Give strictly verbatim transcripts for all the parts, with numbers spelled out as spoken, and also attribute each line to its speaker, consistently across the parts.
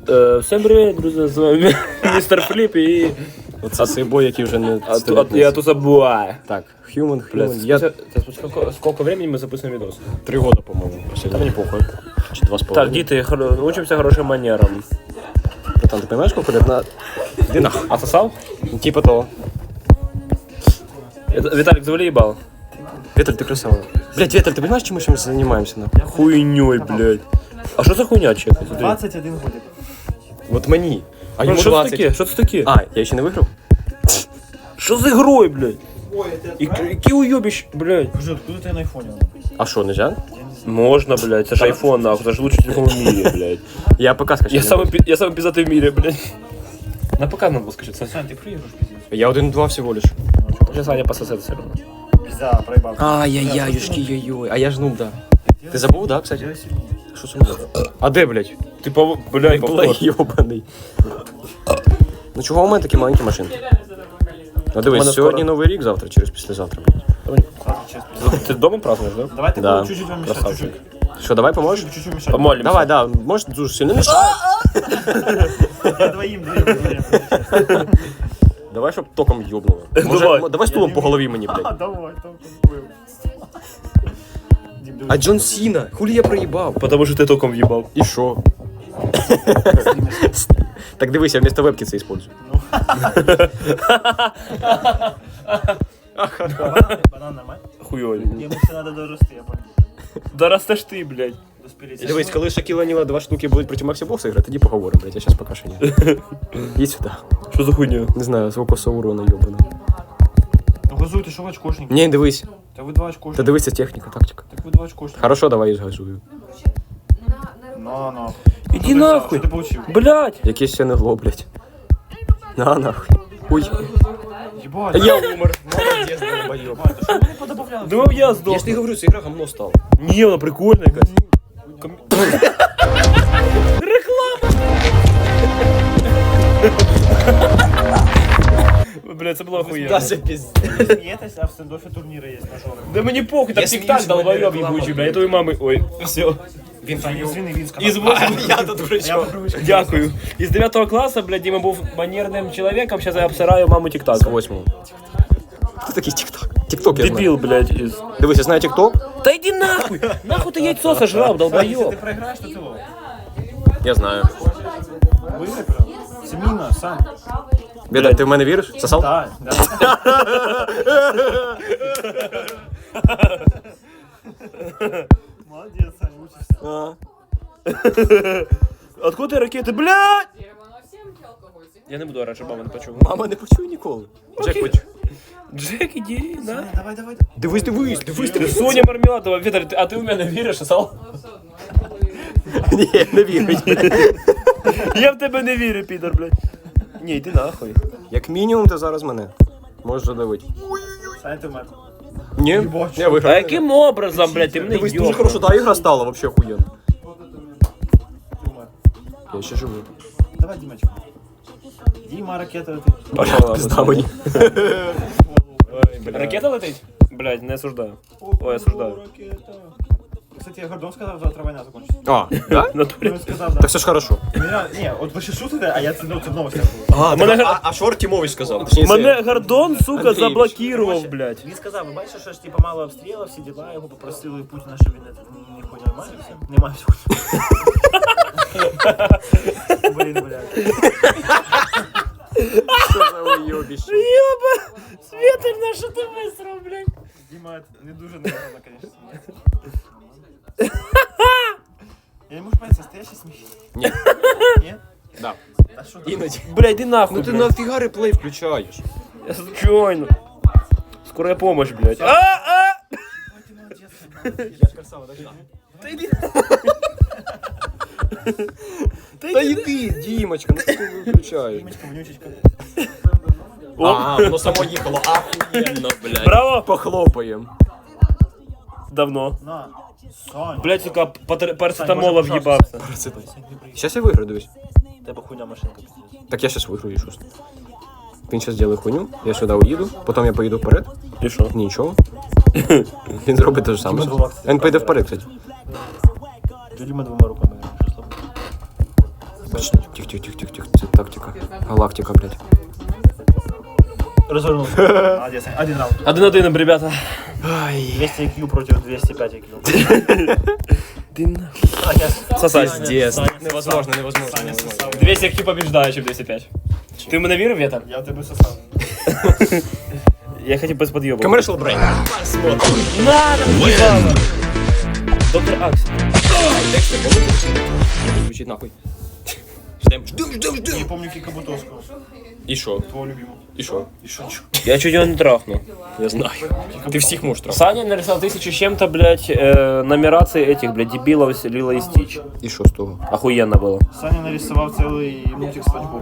Speaker 1: Е, всім привіт, друзі, з вами містер Фліп і...
Speaker 2: Оце цей бой, який вже не
Speaker 1: А,
Speaker 2: стоїть.
Speaker 1: я тут забуваю.
Speaker 2: Так, Human,
Speaker 1: Блядь,
Speaker 2: Human. Я
Speaker 1: я... сколько, сколько времени мы записываем видос?
Speaker 2: три года, по-моєму. Та мені похуй. Чи два з
Speaker 1: Так,
Speaker 2: половиною.
Speaker 1: діти, хор- учимся хорошим манерам.
Speaker 2: Братан, ти розумієш, скільки лет на... Іди нахуй.
Speaker 1: Отсосал?
Speaker 2: Типа того.
Speaker 1: Это- Виталик, завали ебал.
Speaker 2: Віталь, ти красава. Блядь, Віталь, ти розумієш, чим ми зараз займаємося, нахуй?
Speaker 1: Хуйней, блядь. А что за хуйня, чек? Смотри.
Speaker 3: двадцать один годик.
Speaker 2: От мені. А
Speaker 1: Ну,
Speaker 2: йому
Speaker 1: что это
Speaker 2: двадцять.
Speaker 1: таке? Что это таке?
Speaker 2: А, я ще не виграв?
Speaker 1: Что за игрой, блядь? И какие уебищ, блядь.
Speaker 3: Боже, откуда ты на айфоне?
Speaker 2: А що, нельзя?
Speaker 1: Можно, блядь, это же айфон, нахуй, это же лучший телефон в мире, блядь.
Speaker 2: Я ПК скачав.
Speaker 1: Я самый, пи- я самый пиздатый в мире, блядь. На ПК надо было скачать, Сань.
Speaker 3: Сань, ты проигрываешь, пиздец.
Speaker 2: Я один-два всього лиш.
Speaker 1: Сейчас Саня пососет все равно.
Speaker 3: Пизда, проебал.
Speaker 2: Ай-яй-яй, юшки, йой-йой. А я ж нуб, да. Ти забув, да, кстати?
Speaker 3: Делай сильнее.
Speaker 2: Що це було? А де, блядь?
Speaker 1: Ты, по... блядь, повтор.
Speaker 2: Блядь, йобаний. Ну чого у мене такі маленькі машинки? Ну дивись,
Speaker 1: мене
Speaker 2: сьогодні
Speaker 1: скоро.
Speaker 2: новий рік, завтра через післязавтра, блядь.
Speaker 3: Сразу честно.
Speaker 1: Ты дома празднуешь, да?
Speaker 3: Давай ты
Speaker 2: Да.
Speaker 3: будешь чуть-чуть вам мешать,
Speaker 1: Красавчик.
Speaker 3: чуть-чуть.
Speaker 2: Що, давай поможеш?
Speaker 3: Чуть-чуть мешать.
Speaker 1: Помолимся.
Speaker 2: Давай, да, можеш дуже сильно мішати.
Speaker 3: Я двоим, двоим, двоим.
Speaker 2: Давай, щоб током йобнуло. Може,
Speaker 1: Давай.
Speaker 2: м- давай стулом по голові мені,
Speaker 3: А,
Speaker 2: блядь.
Speaker 3: давай, там был. Дим,
Speaker 2: А Джон Сіна, хулі я проїбав.
Speaker 1: Потому что ты током въебал.
Speaker 2: І що? Так дивись, я вместо вебки це использую.
Speaker 3: Банан нормально?
Speaker 1: Хуёвый.
Speaker 3: Ему все надо дорасти, я понял.
Speaker 1: Да растешь ты, блядь.
Speaker 3: Доспелить.
Speaker 2: Дивись, коли Шакіла Ніла два штуки будуть проти Максі Бокса грати, тоді поговоримо, блядь, я щас поки що ні. Їдь сюди.
Speaker 1: Что за хуйня?
Speaker 2: Не знаю, свого коса урона йобана.
Speaker 3: Ну газуй, ты что в очкошник?
Speaker 2: Ні, дивись.
Speaker 3: Да вы два
Speaker 2: Та
Speaker 3: очкошника.
Speaker 2: дивися техніка, тактика.
Speaker 3: Так вы два очкошника.
Speaker 2: Хорошо, давай я згазую.
Speaker 3: На, на.
Speaker 1: Иди
Speaker 3: Что ты взял?
Speaker 1: нахуй.
Speaker 3: Что ты получил?
Speaker 1: Блядь.
Speaker 2: Якесь я не гло, блядь. На, нахуй. Ой.
Speaker 3: Ебать.
Speaker 2: Я умер. Молодець, долбойоб.
Speaker 3: Ебать, а что вы не подобавляли?
Speaker 1: Думал, я сдох.
Speaker 2: Я ж не говорю, ця гра гамно стала.
Speaker 1: Не, она прикольная, Кать. Ком- Реклама! Блядь, это была хуйня.
Speaker 2: пиздец.
Speaker 3: Смеетесь, а в стендофе турниры есть мажоры.
Speaker 1: Да мне похуй, там
Speaker 2: Я
Speaker 1: тик-так
Speaker 2: смеюсь,
Speaker 1: долбоёб
Speaker 2: реклама,
Speaker 1: ебучий,
Speaker 2: блядь.
Speaker 1: блядь, твоей мамы. Ой, все.
Speaker 2: Він
Speaker 3: Саня, извини, він сказав.
Speaker 1: Из восьмого...
Speaker 2: Я тут
Speaker 3: Я
Speaker 2: дурачок.
Speaker 3: по привычке.
Speaker 1: Дякую. Из девятого класса, блядь, Дима был манерным человеком, сейчас я обсираю маму тик-так.
Speaker 2: З восьмого. Хто такий тік-ток? Тік-ток я знаю.
Speaker 1: Дебил, блядь, из...
Speaker 2: Дивись, я знаю тік-ток.
Speaker 1: Да иди нахуй! Нахуй ты яйцо сожрал,
Speaker 3: Если
Speaker 1: долбоёб!
Speaker 3: ты проиграешь, то ты лох.
Speaker 2: Я знаю.
Speaker 3: Выиграй, пожалуйста. Семина, Сань.
Speaker 2: Беда, ти в мене віриш? Сосал?
Speaker 3: Да, да. Молодец, Сань, учишься.
Speaker 2: А.
Speaker 1: Откуда ты ракеты, блядь? Я не буду орать, щоб мама не почула.
Speaker 2: Мама не почує ніколи. Джек почує.
Speaker 1: Джек, иди, на.
Speaker 3: Саня, давай, давай.
Speaker 2: Дивись, дивись, дивись,
Speaker 1: Ти
Speaker 2: дивись.
Speaker 1: Соня Мармеладова, Віталь, ти- а ти в мене віриш, Асал?
Speaker 2: Ні, не вірить.
Speaker 1: Я в тебе не вірю, підор, блядь. Ні, йди нахуй.
Speaker 2: Як мінімум, ти зараз мене можеш задавити.
Speaker 3: Саня, ты мать.
Speaker 2: Ні, я
Speaker 1: А
Speaker 2: виграв.
Speaker 1: яким образом, блядь, ти мене
Speaker 2: Дивись, дуже
Speaker 1: йобнув?
Speaker 2: хорошо, та ігра стала, вообще охуєнно.
Speaker 3: Ты мать.
Speaker 2: Я ще живу.
Speaker 3: Давай, Димочка. Дима, ракета летит.
Speaker 1: Пошла,
Speaker 2: Пизда мені.
Speaker 1: Ракета летить? Блядь, не осуждаю. Ой, осуждаю.
Speaker 3: Ракета. Кстати, я Гордон сказал, завтра война закончится.
Speaker 2: А, да?
Speaker 1: В натурі.
Speaker 3: Он сказал, да.
Speaker 2: Так все ж хорошо.
Speaker 3: Меня, не, вот вы сейчас шутите, а я цену в новости.
Speaker 2: А,
Speaker 1: Мене-
Speaker 2: а, а Шор Тімович сказав.
Speaker 1: Мене Гордон, сука,
Speaker 2: Андрійович.
Speaker 1: заблокував, блядь.
Speaker 3: Він сказав, ви бачите, що ж типа мало обстрілів, всі діла, його попросили Путіна, щоб він не- ніхуя не мався. Не мався. Блін, блядь.
Speaker 2: Що за уйобище?
Speaker 1: Ёба, Света, на що ти висрав, блядь?
Speaker 3: Діма, не дуже негарно, конечно. Я не можу понять, настоящий сміх?
Speaker 2: Ні.
Speaker 3: Ні?
Speaker 2: Да.
Speaker 3: А що ти?
Speaker 2: Іноді.
Speaker 1: Блядь, іди нахуй,
Speaker 2: Ну ти
Speaker 1: блядь.
Speaker 2: нафіга реплей включаєш?
Speaker 1: Я случайно. Скорая помощь, блядь. А, а!
Speaker 3: Ти молодець. Я ж красава, так?
Speaker 1: Та йди.
Speaker 2: Та йди, Дімочка, ну ти виключаєш.
Speaker 3: Дімочка, вонючечка.
Speaker 2: А, воно само їхало, ахуєнно, блядь.
Speaker 1: Браво!
Speaker 2: Похлопаємо.
Speaker 1: Давно.
Speaker 3: На. Саня.
Speaker 1: Блядь, сука, патер- парацетамола
Speaker 3: Сань, може,
Speaker 1: въебался.
Speaker 2: Сейчас я виграю, дивись.
Speaker 3: Тебе хуйня машинка. пиздец.
Speaker 2: Так я сейчас виграю, що. Він зараз зробить хуйню, я сюди уїду, потім я поїду вперед.
Speaker 1: І що?
Speaker 2: Нічого. Він зробить те ж саме. Він поїде вперед, кстати.
Speaker 3: Діма двома руками. Що слабо?
Speaker 2: Тихо, тихо, тихо, тихо, тихо. Це тактика. Галактика, блядь.
Speaker 3: Развернулся. Молодец. Один раунд.
Speaker 1: Один-один, ребята.
Speaker 3: двести ай кью против двести пять ай кью.
Speaker 1: Ты на...
Speaker 2: Сосать.
Speaker 1: Саня,
Speaker 2: Пиздец.
Speaker 1: Саня,
Speaker 2: Невозможно, невозможно.
Speaker 3: Саня сосал.
Speaker 1: двести ай кью побеждает, чем двести пять. Ты в мене вірив, Вєта?
Speaker 3: Я в тебе сосал.
Speaker 1: Я хотів без подъеба.
Speaker 2: Commercial break.
Speaker 1: Надо, ебало. Доктор Аксель.
Speaker 2: Звучить нахуй. Ждем, ждем, ждем,
Speaker 3: Не
Speaker 2: ждем.
Speaker 3: помню Кика Бутовского.
Speaker 2: І що?
Speaker 3: Твого любимого.
Speaker 2: І що?
Speaker 3: И шо?
Speaker 1: Я чуть його не трахнул.
Speaker 2: Я знаю. Ти всіх можеш трахати.
Speaker 1: Саня нарисовал тысячу с чем-то, блядь, э, нумерации этих, блядь, дебилов с Лило и Стич.
Speaker 2: І що з того?
Speaker 1: Охуенно было.
Speaker 3: Саня нарисовал целый мультик Спанч Боб.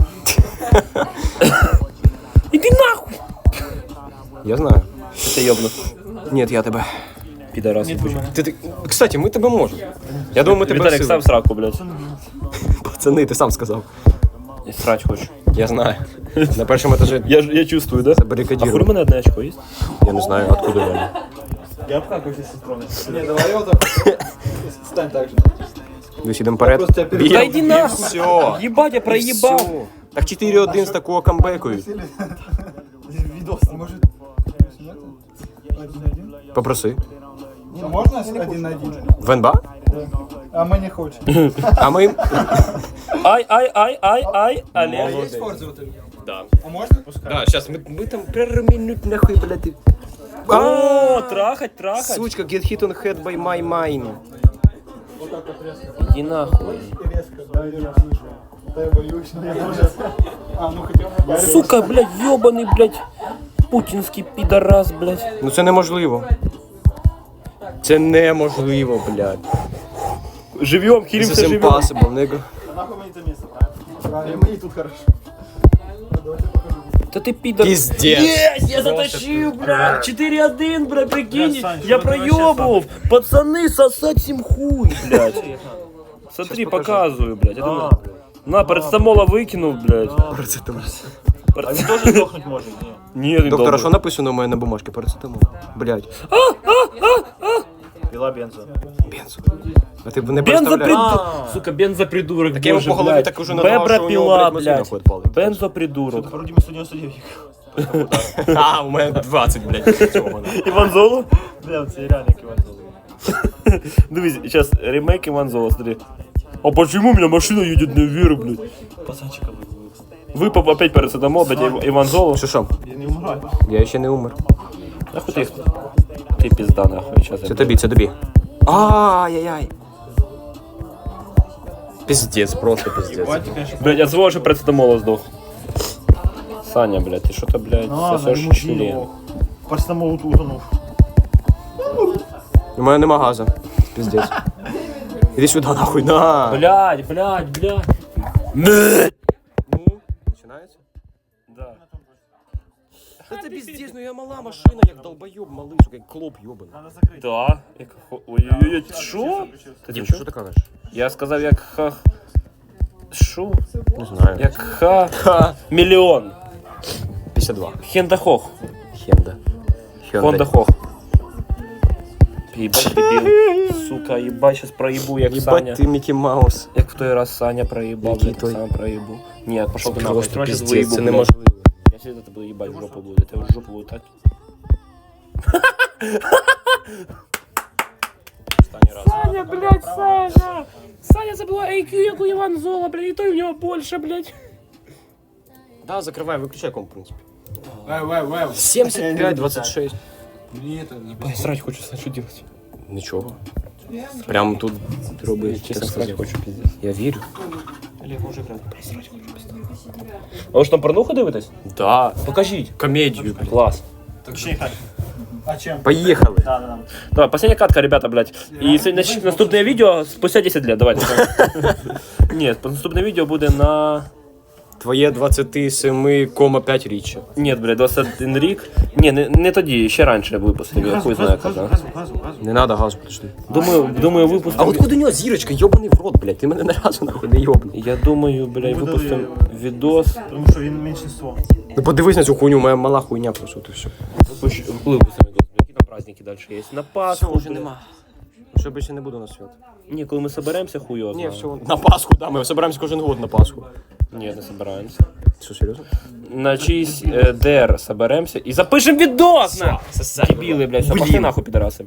Speaker 1: Иди нахуй!
Speaker 2: Я знаю.
Speaker 1: Ты ёбну.
Speaker 2: Ні, я тебе.
Speaker 1: Пидорас.
Speaker 3: Нет, вы меня.
Speaker 2: Ти, ти... Кстати, ми тебе можемо. Я думаю, ми тебе
Speaker 1: Виталик,
Speaker 2: всі-
Speaker 1: сам сраку, блядь.
Speaker 2: Пацани, ти сам сказав.
Speaker 1: И срать хочешь.
Speaker 2: Я знаю. На першому етажі
Speaker 1: Я, ж- я чувствую, да? А
Speaker 2: забарикадірую.
Speaker 1: хули у мене одне очко есть?
Speaker 2: Я не знаю, откуда воно.
Speaker 3: Я обкакаюсь, если стронешь.
Speaker 4: Не, давай вот так. Стань так же.
Speaker 2: Дивись, ідемо вперед.
Speaker 4: Просто тебя перед-
Speaker 1: Да иди нахуй!
Speaker 2: Все.
Speaker 1: Ебать, я проебал!
Speaker 2: Всё. Так чотири один з такого камбекують.
Speaker 3: Видос.
Speaker 4: Может, нет? Один на один?
Speaker 2: Попроси.
Speaker 4: А можно один на один?
Speaker 2: В ен ба?
Speaker 4: А мы не хотим.
Speaker 2: А ми...
Speaker 1: Ай, ай, ай, ай, ай, Олег.
Speaker 2: Да.
Speaker 4: А можно?
Speaker 2: Да, сейчас мы, мы там переминуть нахуй, блядь.
Speaker 1: О, трахать, трахать.
Speaker 2: Сучка, get hit on head by my mind.
Speaker 1: Иди нахуй.
Speaker 4: Резко, да, держи. Да я боюсь, но я тоже. А, ну хотя бы.
Speaker 1: Сука, блядь, ёбаный, блядь, путинский пидорас, блядь.
Speaker 2: Ну це неможливо. Це неможливо, блядь.
Speaker 1: Живем,
Speaker 2: This
Speaker 1: хилимся,
Speaker 2: is
Speaker 1: живем.
Speaker 2: impossible, nigga.
Speaker 3: Нахуй мне это место, правильно?
Speaker 4: Правильно, мне тут хорошо.
Speaker 1: Да ты пидор.
Speaker 2: Пиздец.
Speaker 1: Есть, я затащил, блядь. четыре один, блядь, прикинь.
Speaker 3: Бля, Сань,
Speaker 1: Я
Speaker 3: что ты вообще
Speaker 1: проебывал. Пацаны, сосать им хуй, блядь. Смотри, показываю, блядь. Это
Speaker 3: А,
Speaker 1: на- На, парацетамола выкинул, блядь.
Speaker 2: Парацетамол.
Speaker 3: А він теж здохнуть може? Ні.
Speaker 1: Нет, не
Speaker 2: Доктор, а
Speaker 1: должен.
Speaker 2: що написано у мене на бумажці? Парацетамол. Блядь.
Speaker 3: Пила бензо.
Speaker 2: Бензо. А ти б не
Speaker 1: Бензопридурок.
Speaker 2: представляєш?
Speaker 1: Сука, бензопридурок.
Speaker 2: Так я йому
Speaker 1: боже,
Speaker 2: по голові
Speaker 1: блядь.
Speaker 2: так уже надавав, що у нього,
Speaker 1: Бебра-пила,
Speaker 2: блядь, мозги
Speaker 1: блядь.
Speaker 2: нахуй відпали.
Speaker 1: Бензопридурок.
Speaker 3: По Рудиму сто девяносто девять.
Speaker 2: А, у мене двадцять, блядь, цього.
Speaker 1: Иван Золо?
Speaker 3: Бля, це реально як Іван Золотий.
Speaker 1: Дивись, сейчас ремейк Иван Золо, смотри. А почему у меня машина едет наверх, блядь?
Speaker 3: Пацанчика визвали.
Speaker 1: Выпал опять парацетамол, блядь, Ив- Иван Золо.
Speaker 2: Що що?
Speaker 3: Я не умираю.
Speaker 2: Я ще не умер.
Speaker 1: Нахуй ты их? Ты пизда, нахуй, сейчас.
Speaker 2: Це тобі, це тобі. Ай-яй-яй. Пиздец, просто пиздец.
Speaker 3: Батя, конечно.
Speaker 1: Блядь, от злого же парацетамола сдох. Саня, блядь, ты что-то, блядь,
Speaker 3: Ну ладно,
Speaker 1: сосешь
Speaker 3: ему
Speaker 1: член.
Speaker 3: пиво. Парацетамол утонув.
Speaker 2: У мене нема газу. Пиздец. Іди сюди, нахуй, на.
Speaker 1: Блядь, блядь, блядь.
Speaker 2: Починається?
Speaker 1: Да.
Speaker 2: Це пиздец, ну я мала машина, як долбойоб малий, сука, як клоп йобаний.
Speaker 3: Надо закрити.
Speaker 1: Да. Як хо- Ой-ой-ой, що? Ти
Speaker 2: Дім,
Speaker 1: чо?
Speaker 2: що ти кажеш?
Speaker 1: Я сказав, як ха... Шо?
Speaker 2: Не знаю.
Speaker 1: Як ха...
Speaker 2: Ха.
Speaker 1: Мільйон.
Speaker 2: п'ятдесят два.
Speaker 1: Хендахох.
Speaker 2: Хенда.
Speaker 1: Хонда Хох. Ебать, дебил. Сука, ебать, сейчас проебу, як Саня.
Speaker 2: Ебать ти Мікі Маус.
Speaker 1: Як в той раз Саня проебал,
Speaker 2: Який
Speaker 1: блядь,
Speaker 2: той?
Speaker 1: так само проебу. Нет, пошел ты нахуй.
Speaker 2: Просто
Speaker 1: Я сейчас
Speaker 2: пиздец,
Speaker 1: выебу,
Speaker 2: це
Speaker 1: блядь.
Speaker 2: неможливо.
Speaker 1: Я сейчас это буду ебать в жопу буду. Это в жопу буду так. Саня, блядь, Саня! Саня забыла ай кью, як у Иван Зола, блядь, и то у него больше, блядь.
Speaker 2: Да, закривай, виключай комп, в принципі.
Speaker 4: Вай, вай, вай.
Speaker 2: сімдесят п'ять двадцять шість.
Speaker 4: Мне это не
Speaker 1: Блядь, срать хочу, Сань, что делать?
Speaker 2: Нічого. Прям тут роби,
Speaker 1: Честно
Speaker 2: чесно
Speaker 1: срать
Speaker 2: сказати.
Speaker 1: хочу, пиздец.
Speaker 2: Я вірю.
Speaker 1: Олег, може грати. Блядь, срать хочу, пиздец. А ви ж там порнуху дивитесь?
Speaker 2: Да.
Speaker 1: Покажіть.
Speaker 2: Комедію, блядь.
Speaker 1: Класс.
Speaker 3: Точнее так.
Speaker 4: А чем?
Speaker 2: Поїхали.
Speaker 3: Да, да, да.
Speaker 1: Давай, последняя катка, ребята, блядь. И це нач- наступне відео спустя десять лет, давайте. Нет, наступне відео буде на...
Speaker 2: Твоє двадцять сім кома п'ять річчя.
Speaker 1: Нет, блядь, двадцять один рік. Ні, не, не тоді, ще раніше випустив, я хуй знаю
Speaker 3: газу,
Speaker 1: коли.
Speaker 3: газу, газу, газу.
Speaker 2: Не надо газу, подожди.
Speaker 1: Думаю, думаю,
Speaker 2: А
Speaker 1: випустим...
Speaker 2: откуда у нього зірочка? Йобаний в рот, блядь. Ти мене не разу нахуй не йобнув.
Speaker 1: Я думаю, блядь, випустим відос.
Speaker 3: Тому що він меншинство.
Speaker 2: Ну подивись на цю хуйню, моя мала хуйня просто, ти все.
Speaker 1: Випущ- Коли випустим відос? Які там праздники далі є? На Пасху,
Speaker 2: Все, вже
Speaker 1: блядь.
Speaker 2: нема. Що більше не буду на свят.
Speaker 1: Ні, коли ми соберемося, хуйо.
Speaker 2: Ні, все, на Пасху, да, ми збираємося кожен год на Пасху.
Speaker 1: Ні, не собираємося.
Speaker 2: Що, серйозно?
Speaker 1: На чийсь е, ДР соберемося і запишемо відос! на! Дебіли, блядь, все, пошли нахуй, підараси.